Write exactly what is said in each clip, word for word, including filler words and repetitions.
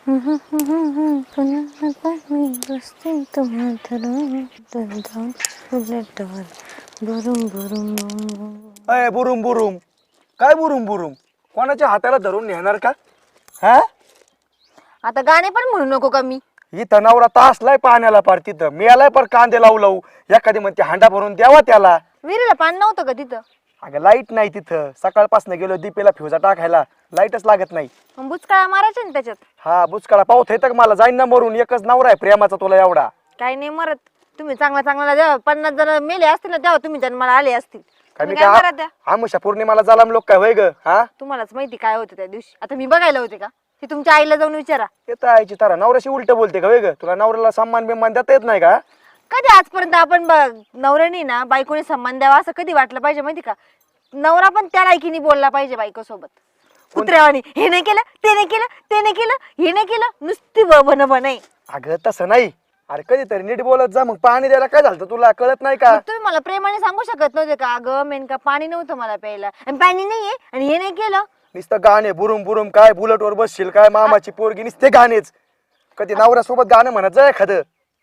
अय बुरुम बुरुम काय बुरुम बुरुम कोणाच्या हाताला धरून नेणार का? हा आता गाणे पण म्हणू नको का मी? इथं नवरा तासलाय पाण्याला पार तिथं मी आलाय पर कांदे लावू लावू एखादी म्हणते हांडा भरून द्यावा त्याला. विहिरीला पाणी नव्हतं का तिथं? अगं लाईट नाही तिथं सकाळपासून गेलो दीपेला फ्युजा टाकायला लाईटच लागत नाही. मग बुचकाळा मारायचा ना त्याच्यात. हा बुचकाळा पाऊत येतं का मला जाईन ना मरून एकच नवरा आहे प्रेमाचा तुला एवढा. काही नाही मरत तुम्ही चांगला चांगला द्या पन्नास जण मेले असतील ना तेव्हा तुम्ही जन्माला आले असतील. काय काय मरत द्या आमुषा पौर्णिमाला जालाम लोक काय होय ग? हा तुम्हालाच माहिती काय होतं त्या दिवशी. आता मी बघायला होते का? ते तुमच्या आईला जाऊन विचारा. येत आईची तारा नवऱ्याशी उलट बोलते का होय ग? तुला नवऱ्याला सन्मान बिन्मान देता येत नाही का? कधी आजपर्यंत आपण नवऱ्याने ना बायकोने सन्मान द्यावा असं कधी वाटलं पाहिजे माहिती का? नवरा पण त्या लायकीने बोलला पाहिजे बायको सोबत. कुत्र्यावानी हे नाही केलं ते नाही केलं ते नाही केलं हे नाही केलं नुसती बन बनाई. अगं तसं नाही अरे कधीतरी नीट बोलत जा. मग पाणी द्यायला काय झालं तुला कळत नाही का? तुम्ही मला प्रेमाने सांगू शकत नव्हते का? अगं मेनका पाणी नव्हतं मला प्यायला आणि पाणी नाहीये आणि हे नाही केलं. नुसतं गाणे बुरुम बुरुम काय बुलेट वर बसशील काय मामाची पोरगी नुसते गाणेच. कधी नवऱ्यासोबत गाणं म्हणत जाय एखादं.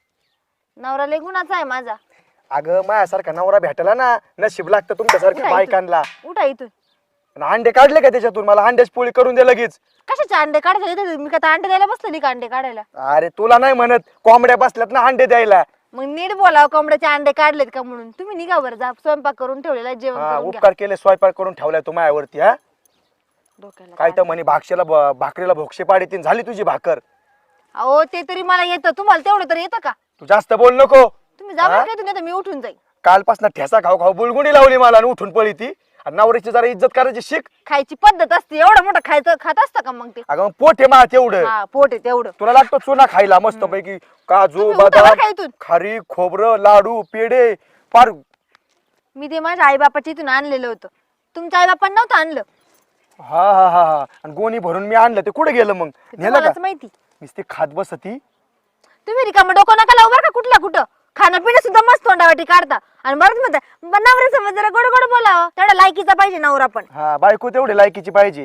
नवरा लय गुणाचा आहे माझा. अगं माझ्यासारखा नवरा भेटायला ना नशीब लागतं तुमच्यासारख्या उठा बायकांना. उठा इथून. आणि अंडे काढले का त्याच्यातून? मला अंड्याची पोळी करून दे लगेच. कशाचे अंडे काढायचे? मी का अंडे द्यायला बसलेली का अंडे काढायला? अरे तुला नाही म्हणत कोंबड्या बसल्यात ना अंडे द्यायला. मग नीट बोलाव कोंबड्याचे अंडे काढलेत का म्हणून. तुम्ही निघा बरं जा स्वयंपाक करून ठेवलेला जेवण हा करून घ्या. उपकार केले स्वयंपाक करून ठेवलाय तू माझ्यावरती. हा डोक्याला काय तर म्हणे भाक्षेला ब- भाकरीला भोक्षे पाडीतीन झाली तुझी भाकर. अहो ते तरी मला येतं तुम्हाला तेवढं तरी येतं का? तू जास्त बोल नको. तुम्ही जा बरं का इथून, नाहीतर मी उठून जाईल. कालपासून ठेसा खाऊ खाऊ बुलगुणी लावली मला आणि उठून पळी ती. आणि नवऱ्याची जरा इज्जत करायची शिक. खायची पद्धत असते एवढं मोठं खायचं खात असतं का मग ते? अगं मग पोट आहे मा तेवढं. हा पोट आहे तेवढं. तुला लागतो चुना खायला मस्त पैकी काजू तुम्ही उठा बरं बदाम का इथून. खारी खोबरं लाडू पेढे फार. मी ते माझ्या आई बापाच्या इथून आणलेलं होतं. तुमच्या आई बापांना नव्हतं आणलं. हा हा हा हा आणि गोणी भरून मी आणलं ते कुठे गेलं मग? ते नेलं का? तुम्हालाच माहिती. नुसती खात बसती. तुम्ही रिकामं डोकं नका लावू बरं का कुठला कुठं. खाणं पिणं सुद्धा मस्त तोंडावाटी काढता आणि बरंच म्हणता नवरा समज जरा गोड गोड बोलावं. तेवढा लायकीचा पाहिजे नवरा पण. हा बायको तेवढी लायकीची पाहिजे.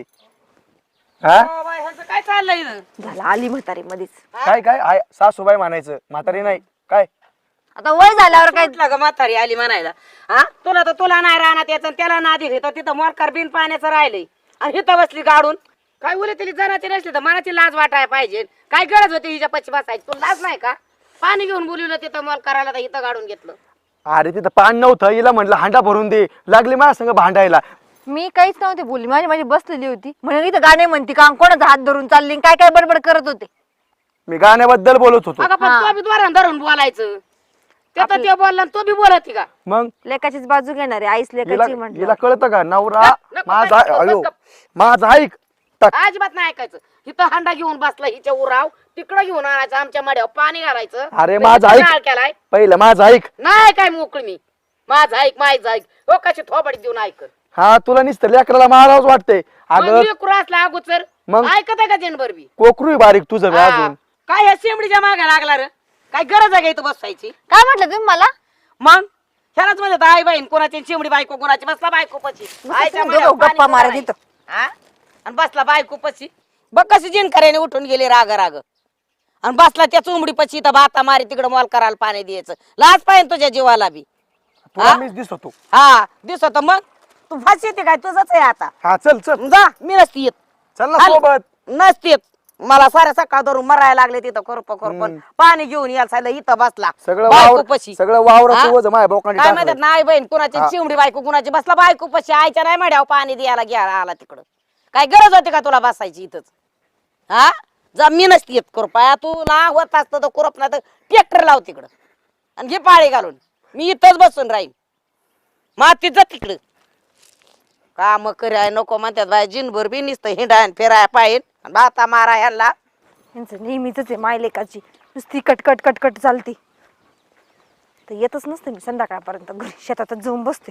हा काय चाललंय इथं? झाला आली म्हातारी मध्येच. काय काय आय सासूबाई म्हणायचं म्हातारी नाही काय. आता वय झाल्यावर काय म्हटलं ग म्हातारी आली म्हणायला. हा तुला तर तुला नाही राहणार याचं त्याला नादी घेतो तिथं मोरकार बिन पाण्याचं राहिलंय आणि इथं बसली गाडून. काय उले तरी जनाची नसली तर मनाची लाज वाटायला पाहिजे. काय गरज होती हिच्या पश्ची बसायची? तुला लाज नाही का? पाणी घेऊन बोलवलं तिथं मोल करायला तर इथं गाडून घेतलं. अरे तिथं पाणी नव्हतं हिला म्हटलं हांडा भरून दे लागली माझ्या संग भांडायला. मी काहीच नव्हते बोलली. माझी माझी बसलेली होती म्हणून इथं गाणे म्हणते का कोणाचा हात धरून चालली काय काय बडबड करत होते. मी गाण्याबद्दल बोलत होतो. अगं पण तो बी द्वारा धरून बोलायचं. ते तर ते बोलला आणि तो बी बोलत का? मग लेकाचीच बाजू घेणार आहे. आईच हिला लेकाची म्हटलं. हिला कळतं का नवरा नको, माझा नको, अयो नको. माझा ऐक टाक. अजिबात नाही ऐकायचं. इथं हांडा घेऊन बसला हिच्या उराव तिकडं घेऊन आणायचं आमच्या मड्यावर पाणी घालायचं. अरे तर माझा इथं ऐक नाळ केलाय. पहिलं माझं ऐक. नाही काय मोकळी मी माझं ऐक माझं ऐक हो कशी थोबडी देऊन ऐक. हा तुला नुसतं लेकराला मारावंच वाटतंय. अगं असला अगोदर मग? ऐकत आहे का जनभर बी? कोकरू बारीक तुझं बी हा. अजून. काय ह्या शेंबडीच्या मागे लागला रे? काय गरज आहे का इथं बसायची? काय म्हटलं तुम्ही मला? मग ह्यालाच म्हणत आई बहीण कोणाची चिमडी बायको कोणाची बसला बायको पशी आईच्या तुम्ही मड्यावर दोघं पाणी गप्पा मारत भरायचं. इथं. हा? आणि बसला बायको पशी बघ कशी जिनकऱ्याने उठून गेली राग राग आणि बसला त्या चुमडी पशी तर भाता मारी तिकडे मॉल करायला पाणी द्यायचं. लाज पाहिजे तुझ्या जीवाला बी. तुला हा? मीच दिसतो. हा दिसत मग तू फाशी येते काय तुझंच आहे आता. हा चल चल जा मी नसती येत. चल ना आल- सोबत. नसती येत. मला साऱ्या सकाळ धरून मरायला लागले तिथं खुरप खुरपण पाणी घेऊन यायला सांगितलं इथं बसला सगळं बायको वावर पशी. सगळं वावराचं हा? वजन माझ्या बोकांडी काय टाकलंय. म्हणतात नाही बहीण कुणाची हा. चिमडी बायको कुणाची बसला बायको पशी आईच्या नाही मड्यावर पाणी द्यायला घ्यायला आला तिकडं. काय गरज होती का तुला बसायची इथंच? हा जा मी नसती येत खुरपाया तू ना होत असतं तर खुरप नाही तर ट्रॅक्टर लाव तिकडं आणि घे पाळी घालून. मी इथंच बसून राहीन मातीत जा तिकडं. काम कराय नको म्हणतात बाय जिनभर बी निसतं हिंडाय फिराय पाहिजे भाता मारा ह्याला. यांचं नेहमीच आहे माय लेकाची नुसती कटकट कटकट चालती. तर येतच नसते मी संध्याकाळपर्यंत घरी शेतातच जाऊन बसते.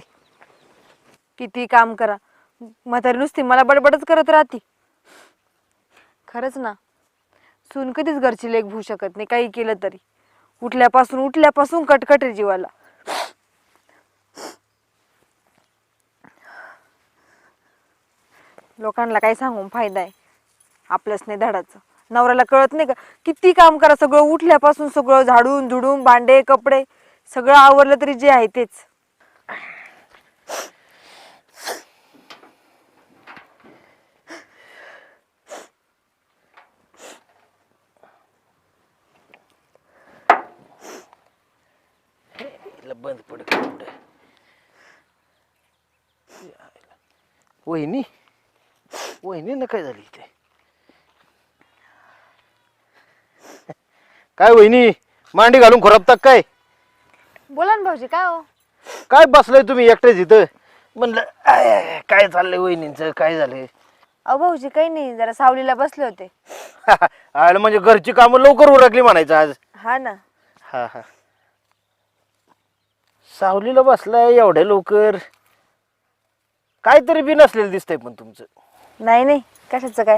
किती काम करा म्हातारी नुसती मला बडबडच करत राहती. खरंच ना सून कधीच घरची लेक भू शकत नाही काही केलं तरी. उठल्यापासून उठल्यापासून कटकट आहे जीवाला. लोकांना काही सांगून फायदा आहे आपलंच नाही धडाचं. नवऱ्याला कळत नाही का किती काम करा, सगळं उठल्यापासून सगळं झाडून झुडून भांडे कपडे सगळं आवरलं तरी जे आहे तेच. बंद पडत वहिनी वहिनी ना काय झाली इथे? काय वहिनी मांडी घालून खोरापता काय? बोला ना भाऊजी. काय हो? काय बसलाय तुम्ही एकटेच इथं? म्हणलं आय, आय, काय चाललंय वहिनींचं, काय झालंय? अहो भाऊजी काही नाही, जरा सावलीला बसले होते. आलं म्हणजे घरची कामं लवकर उरकली म्हणायचं आज. हा ना. हा हा सावलीला बसलाय एवढ्या लवकर, काहीतरी बी नसलेलं दिसतंय पण तुमचं. नाही नाही, कशाचं काय?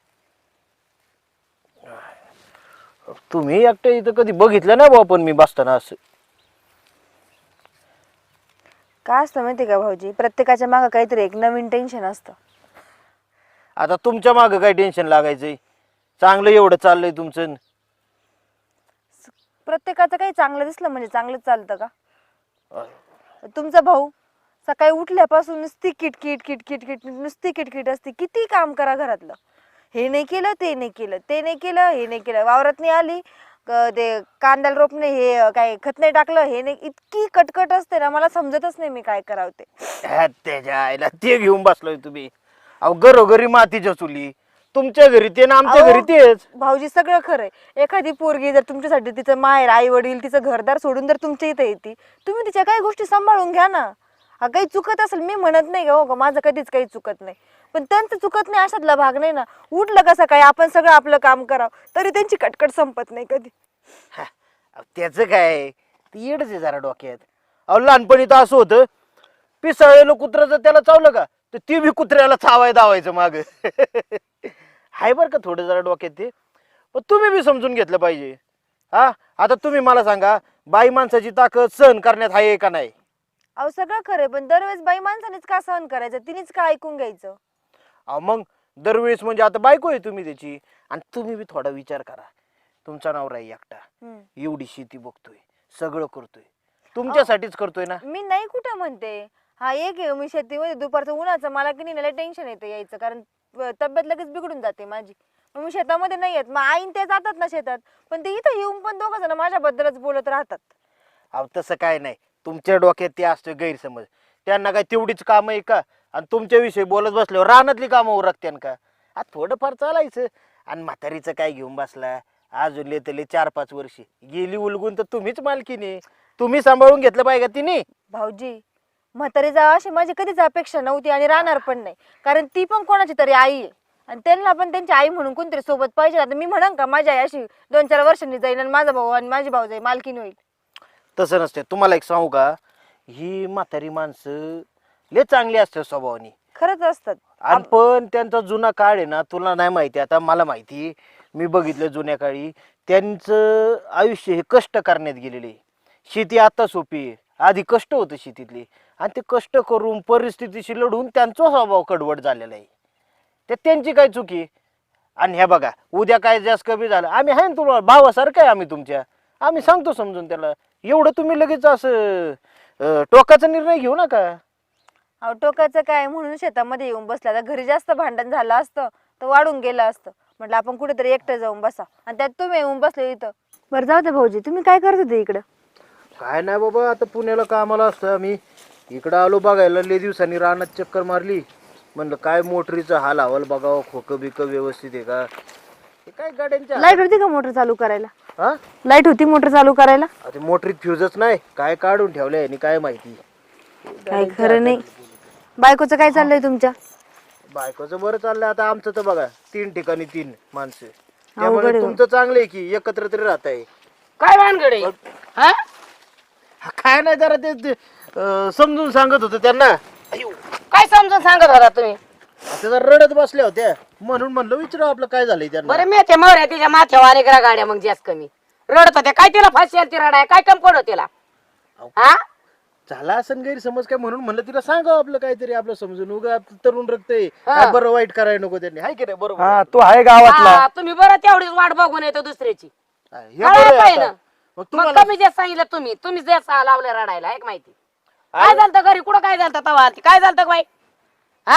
तुम्ही एकट्या इथं कधी बघितलं नाही बा, पण मी बसताना असं. काय असतं माहिती का भाऊजी, प्रत्येकाच्या मागं काहीतरी एक नवीन टेन्शन असतं. आता तुमच्या मागं काय टेन्शन लागायचंय? चांगलं एवढं चाललंय तुमचं. प्रत्येकाचं काही चांगलं दिसलं म्हणजे चांगलंच चालतं का? तुमचा भाऊ सकाळी उठल्यापासून नुसती किटकिट किटकिट किट नुसती किटकिट असते. किती काम करा घरातलं, हे नाही केलं ते नाही केलं ते नाही केलं हे नाही केलं, वावरात नाही आली क- ते कांद्याला रोपणे हे काय खत नाही टाकलं हे नाही, इतकी कटकट असते ना मला समजतच नाही मी काय करावं ते. ह्या त्याच्या आईला ते घेऊन बसलोय तुम्ही. अहो घरोघरी मातीच्या चुली, तुमच्या घरी ते ना आमच्या अहो, घरी तेच. भाऊजी सगळं खरंय. एखादी पोरगी जर तुमच्यासाठी तिचं माहेर आई वडील तिचं घरदार सोडून जर तुमच्या इथे येते, तुम्ही तिच्या काही गोष्टी सांभाळून घ्या ना. हा काही चुकत असेल मी म्हणत नाही का, हो का माझं कधीच काही चुकत नाही, पण त्यांचं चुकत नाही अशातला भाग नाही ना. उठलं का सकाळी आपण सगळं आपलं काम करावं तरी त्यांची कटकट संपत नाही कधी. हा, अहो, त्याचं काय ती येडच आहे जरा डोक्यात. अहो लहानपणी तर असं होतं, पिसाळलेलं कुत्रं जर त्याला चावलं का तर ती बी कुत्र्याला चावाय दावायचं माग. हाय बरं का थोडं जरा डोक्यात ते, पण तुम्ही बी समजून घेतलं पाहिजे. हा आता तुम्ही मला सांगा, बाई माणसाची ताकद सहन करण्यात आहे का नाही? अहो सगळं खरंय, पण दरवेळेस बाई माणसानेच का सहन करायचं, तिनेच का ऐकून घ्यायचं? अहो मग दरवेळेस म्हणजे आता बायको आहे तुम्ही त्याची, आणि तुम्ही बी थोडा विचार करा. तुमचा नवरा आहे एकटा, हम्म. एवढी शेती बघतोय, सगळं करतोय, तुमच्यासाठीच करतोय ना. मी नाही कुठं म्हणते, हा एक आहे मी शेतीमध्ये दुपारचं उन्हाचं मला की नाही टेन्शन येतं यायचं, कारण तब्येत लगेच बिघडून जाते माझी. मग मी शेतामध्ये नाही येत, मग आईन ते जातात ना शेतात, पण ते इथं येऊन पण दोघं जण माझ्याबद्दलच बोलत राहतात. अहो तसं काय नाही, तुमच्या डोक्यात ते असतं गैरसमज. त्यांना काय तेवढीच कामं आहे का? आणि तुमच्याविषयी बोलत बसल्यावर रानातली कामं उरकत्यान का? आ थोडंफार चालायचं. आणि म्हातारीचं काय घेऊन बसला, अजून लेतले चार पाच वर्षी गेली उलगून तर तुम्हीच मालकीने, तुम्ही सांभाळून घेतलं पाहिजे का तिने? भाऊजी म्हातारी जा अशी माझी कधीच अपेक्षा नव्हती आणि राहणार पण नाही, कारण ती पण कोणाची तरी आई आहे आणि त्यांना पण त्यांची आई म्हणून कोणतरी सोबत पाहिजे. आता मी म्हणन का माझी आई अशी दोन चार वर्षांनी जाईल आणि माझा भाऊ आणि माझी भाऊ जाईल मालकीन होईल? तसं नसते. तुम्हाला एक सांगू का, ही म्हातारी माणसं लय चांगली असतात स्वभावानी. खरंच असतात. आणि पण त्यांचा जुना काळ आहे ना, तुला नाही माहिती, आता मला माहिती, मी बघितलं जुन्या काळी त्यांचं आयुष्य हे कष्ट करण्यात गेलेले. शेती आता सोपी आहे, आधी कष्ट होतं शेतीतले, आणि ते कष्ट करून परिस्थितीशी लढून त्यांचा स्वभाव कडवट झालेला आहे. ते त्यांची काय चुकी? आणि ह्या बघा, उद्या काय जास्त कमी झालं, आम्ही आहे ना तुला भावासारखं आहे, आम्ही तुमच्या, आम्ही सांगतो समजून त्याला. एवढं तुम्ही लगेच असं अं, टोकाचा निर्णय घेऊ नका. अहो टोकाचं काय, म्हणून शेतामध्ये येऊन बसला. आता घरी जास्त भांडण झालं असतं तर वाढून गेलं असतं. म्हटलं आपण कुठेतरी एकटं जाऊन बसा, आणि त्यात तुम्ही येऊन बसले इथं. बरं जाऊ दे भाऊजी, तुम्ही काय करत होते इकडं? काय नाही बाबा, आता पुण्याला कामाला असतं आम्ही, इकडं आलो बघायला. लय दिवसांनी रानात चक्कर मारली, म्हणलं काय मोटरीचं हाल हवाल बघावं, खोकं बिकं व्यवस्थित आहे का. हे काय गाड्यांच्या लाईट होती का मोटर चालू करायला? हा लाईट होती मोटर चालू करायला? आता मोटरीत फ्यूजच नाही, काय काढून ठेवलंय आणि काय माहिती. काय खरं नाही. बायकोचं काय चाललंय तुमच्या? बायकोचं बरं चाललंय. आता आमचं तर बघा, तीन ठिकाणी तीन माणसं, अवघड त्यामुळे आहे. तुमचं चांगलं आहे की एकत्र तरी राहत आहे. काय भानगड आहे? हा? काय नाही, जरा ते ते, अं, समजून सांगत होतं त्यांना. अयो, काय समजून सांगत होता तुम्ही? त्या जरा रडत बसल्या होत्या, म्हणून म्हणलं विचारू आपलं काय झालंय त्यांना. बरं मी ते मौर्या तिच्या माथ्यावर आले करा गाड्या, मग जास्त कमी रडत होत्या काय? तिला फाशी आली ती रडाय काय कम पडत तिला? हा झाला असं गैरसमज काय म्हणून म्हणलं तिला सांगावं आपलं काहीतरी आपलं समजून उगा आपलं तरुण रक्त आहे काय बरं वाईट करायला नको त्यांनी हाय की नाही बरोबर हा तो आहे गावातला. हा, तुम्ही बरं तेवढीच वाट बघून येतो दुसऱ्याची हे बरं कळायला आहे पाहिजे आता. ना. मग मग तुम्हाला कमी जे सांगितलं तुम्ही तुम्ही जे सा- लावलं रडायला एक माहिती काय झालं घरी कुठं काय झालं तवा काय झालं बाई हा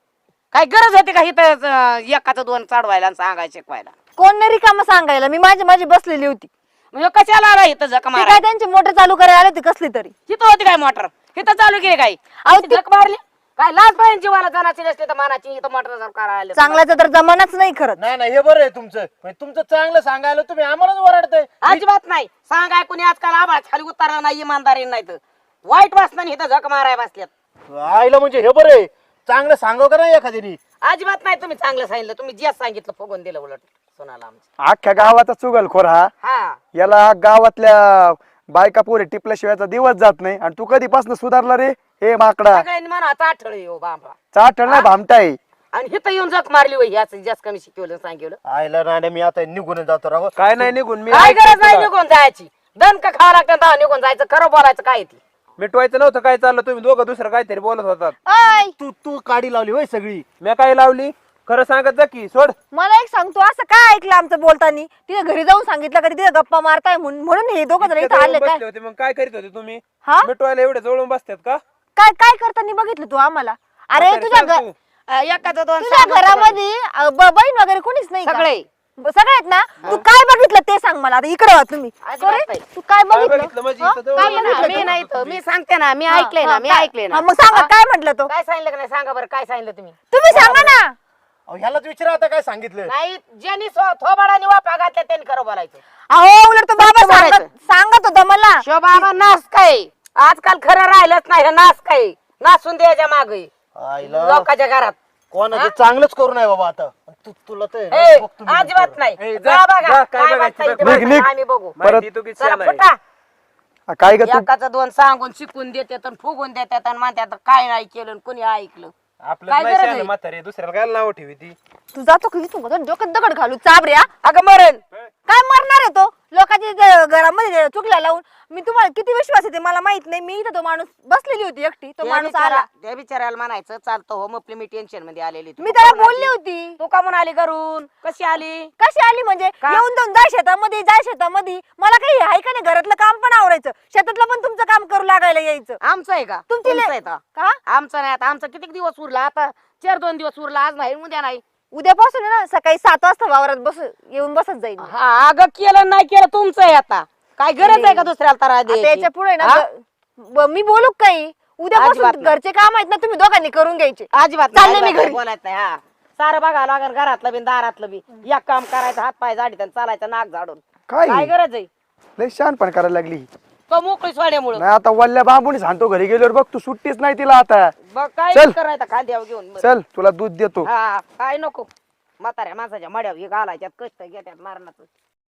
काय गरज होती का इथं अं, एकाचं दोन चढवायला आणि सांगायला शिकवायला कोण नाही रिकामं सांगायला, मी माझी माझी बसलेली होती. म्हणजे कशाला आला इथं झक ते मारा काय त्यांची मोटर चालू करायला आले होते कसली तरी. इथं होती काय मोटर इथं चालू केली काय अहो, ती झक मारली काय लाज पाहिजे जीवाला जनाची नसते तर मानाची इथं मोटर करायला आले. चांगल्याचा तर जमानाच नाही खरंच. नाही नाही हे बरं आहे तुमचं पण तुमचं चांगलं सांगायला तुम्ही आम्हालाच ओरडताय अजिबात नाही सांगाय कोणी आजकाल आभाळ खाली उतार नाही इमानदारी नाही तर वाईट वासनाने इथं झक माराय बसल्यात आईला म्हणजे हे बरं आहे चांगलं सांगाव का नाही एखाद्यानी अजिबात नाही तुम्ही चांगलं सांगितलं तुम्ही जे सांगितलं फुगून दिलं उलट सोनाला आमच्या अख्ख्या गावाचा चुगलखोर हा. हा याला गावातल्या बायका पोरे टिपल्याशिवायचा दिवस जात नाही. आणि तू कधीपासून सुधारला रे हे माकडा? सगळ्यांनी म्हणा चाठळ हो बाबा चाटण नाही भामटाय. आणि हिथं येऊन जग मारली होई याच जास्त कमी शिकवलं आणि सांगितलं आईला नाही मी आता निघून जातो राव काय नाही निघून मी काय ऐकतोय गरज नाही तुला. निघून जायची दणक खावं लागतं तेव्हा निघून जायचं खरं बोलायचं काय ती मिटवायचं नव्हतं काय चाललं तुम्ही दोघं दुसरं काहीतरी बोलत होतात. ऐ, तू तू काडी लावली होय सगळी मी काय लावली खरं सांगत जा की सोड. मला एक सांगतो असं काय ऐकलं आमचं बोलतानी, तिथे घरी जाऊन सांगितलं का तिथे गप्पा मारताय म्हणून म्हणून हे दोघं जण इतक्या इथं आले जवळून काय? बसले होते मग काय करीत होते तुम्ही? हा मिटवायला एवढे जवळून बसतात का? काय काय करताना बघितलं तू आम्हाला? अरे म्हातारी तुझ्या सांग घ- तू. अं, एकाचं दोन तुझ्या सांगून घरामध्ये अ, ब- बहीण वगैरे कोणीच नाही का? सगळे ब- सगळे आहेत ना? तू काय बघितलं ते सांग मला. आता इकडे वा तुम्ही. अजिबात Sorry, नाही. तू काय काय बघितलं? बघितलं म्हणजे हा? इथं जवळ काय बसले बघितलं होते मी तू? नाही तर मी सांगते ना मी हा, ऐकले ना हा, मी काय- ऐकले ना हा, मग सांगा हा? काय म्हटलं तो? काय सांगितलं का नाही सांगा बरं काय सांगितलं तुम्ही तुम्ही सांगा ना. अहो, ह्यालाच विचारा आता काय सांगितलं नाही ज्यांनी स्व- थोबाडाने वापा घातल्या त्यांनी खरं बोलायचं अहो उलट तो बाबा फक्त सांगत बोलायचं. सांगत होता मला. शोभा नास काय आजकाल खरं राहिलंच नाही हे नास काय नासून द्यायच्या माग आईला लोकांच्या घरात कोणाचं चांगलंच करू नये बाबा आता तू तुला तर ए, बघतो मी अजिबात नंतर. नाही ए, जा जा, बघा, जा, काय काय बघायचं वाटतंय ते बघ. निघ, बघा, निघ. आम्ही बघू माहिती तू किती चला शहाणा आहे. फुटा हा, काय ग तू? एकाचं दोन सांगून शिकून देतात आणि फुगून देतात आणि म्हणतात काय नाही केलं आणि कोणी ऐकलं आपलं काय नाही गरज शहाणं आहे? म्हातारे दुसऱ्याला काय नाव ठेवी ती. तू जातो की तू डोक्यात दगड घालू चाबऱ्या. अगं मरण काय मरणार आहे तो? लोकांच्या इथे घरामध्ये चुकल्या लावून. मी तुम्हाला किती विश्वास येते मला माहित नाही. मी इथं तो माणूस बसलेली होती एकटी, तो त्या माणूस आला. बिचारा- त्या बिचारायला म्हणायचं चालतं हो मग मी टेन्शन मध्ये आलेली मी त्याला बोलली होती. तू का म्हणून आली घरून कशी आली कशी आली म्हणजे का? येऊन जाऊन जाय शेतामध्ये जाय शेतामध्ये. मला काही आहे का नाही? घरातलं काम पण आवरायचं, शेतातलं पण तुमचं काम करू लागायला यायचं. आमचं आहे का तुमची ले- तुमचं आहे का? का आमचं नाही आता आमचं किती दिवस उरला आता चार दोन दिवस उरला आज नाही उद्या नाही उद्यापासून आहे ना सकाळी सात वाजता वावरात बस येऊन बसत जाईल. हा अगं केलं नाही केलं तुमचं आहे आता काय गरज आहे का दुसऱ्याला तर आता याच्या पुढे ना ग- ब- मी बोलू का काही? अजिबात उद्यापासून नाही. घरचे काम आहेत ना तुम्ही दोघांनी करून घ्यायचे. अजिबात चालले नाही, मी अजिबात घरी. बोलायचं नाही हा सारं बघा लागेल घरातलं बी दारातलं बी एक काम करायचं हात पाय झाडीत आणि चालायचं नाक झाडून काय काय गरज आहे लय शहाणपण करायला लागली. तो मोकळी सोड्यामुळं नाही आता वल्ल्या बांबून सांगतो घरी गेल्यावर बघ तू सुट्टीच नाही तिला आता. बघ काय चल. करायचं खांद्यावर घेऊन बरं. चल तुला दूध देतो. हा काय नको म्हाताऱ्या माणसाच्या मड्यावर हे घालायच्यात कष्ट घेत्यात मारणाचं